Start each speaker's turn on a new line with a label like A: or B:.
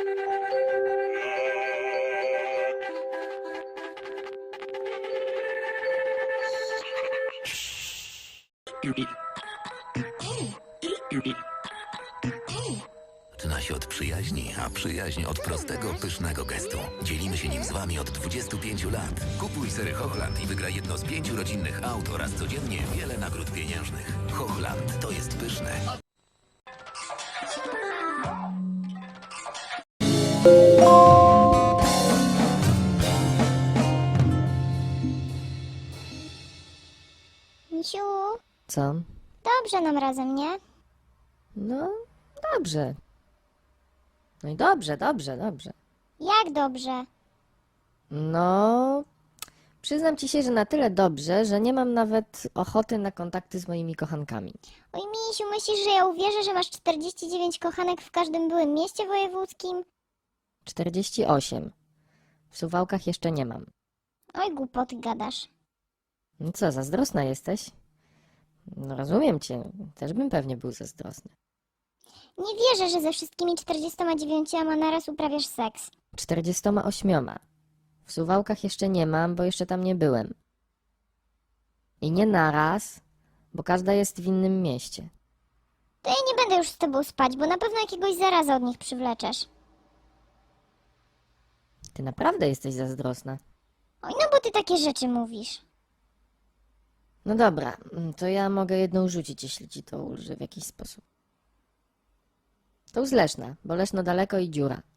A: Zaczyna się od przyjaźni, a przyjaźń od prostego, pysznego gestu. Dzielimy się nim z Wami od 25 lat. Kupuj sery Hochland i wygraj jedno z 5 rodzinnych aut oraz codziennie wiele nagród pieniężnych. Hochland to jest pyszne.
B: Misiu,
C: Co?
B: dobrze nam razem, nie?
C: No, dobrze. No i dobrze.
B: Jak dobrze?
C: No, przyznam ci się, że na tyle dobrze, że nie mam nawet ochoty na kontakty z moimi kochankami.
B: Oj, Misiu, myślisz, że ja uwierzę, że masz 49 kochanek w każdym byłym mieście wojewódzkim?
C: 48. W Suwałkach jeszcze nie mam.
B: Oj, głupoty gadasz.
C: No co, zazdrosna jesteś? No rozumiem cię, też bym pewnie był zazdrosny.
B: Nie wierzę, że ze wszystkimi 49 naraz uprawiasz seks.
C: 48. W Suwałkach jeszcze nie mam, bo jeszcze tam nie byłem. I nie naraz, bo każda jest w innym mieście.
B: To ja nie będę już z tobą spać, bo na pewno jakiegoś zaraza od nich przywleczesz.
C: Ty naprawdę jesteś zazdrosna.
B: Oj, no bo ty takie rzeczy mówisz.
C: No dobra, to ja mogę jedną rzucić, jeśli ci to ulży w jakiś sposób. To z Leszna, bo Leszno daleko i dziura.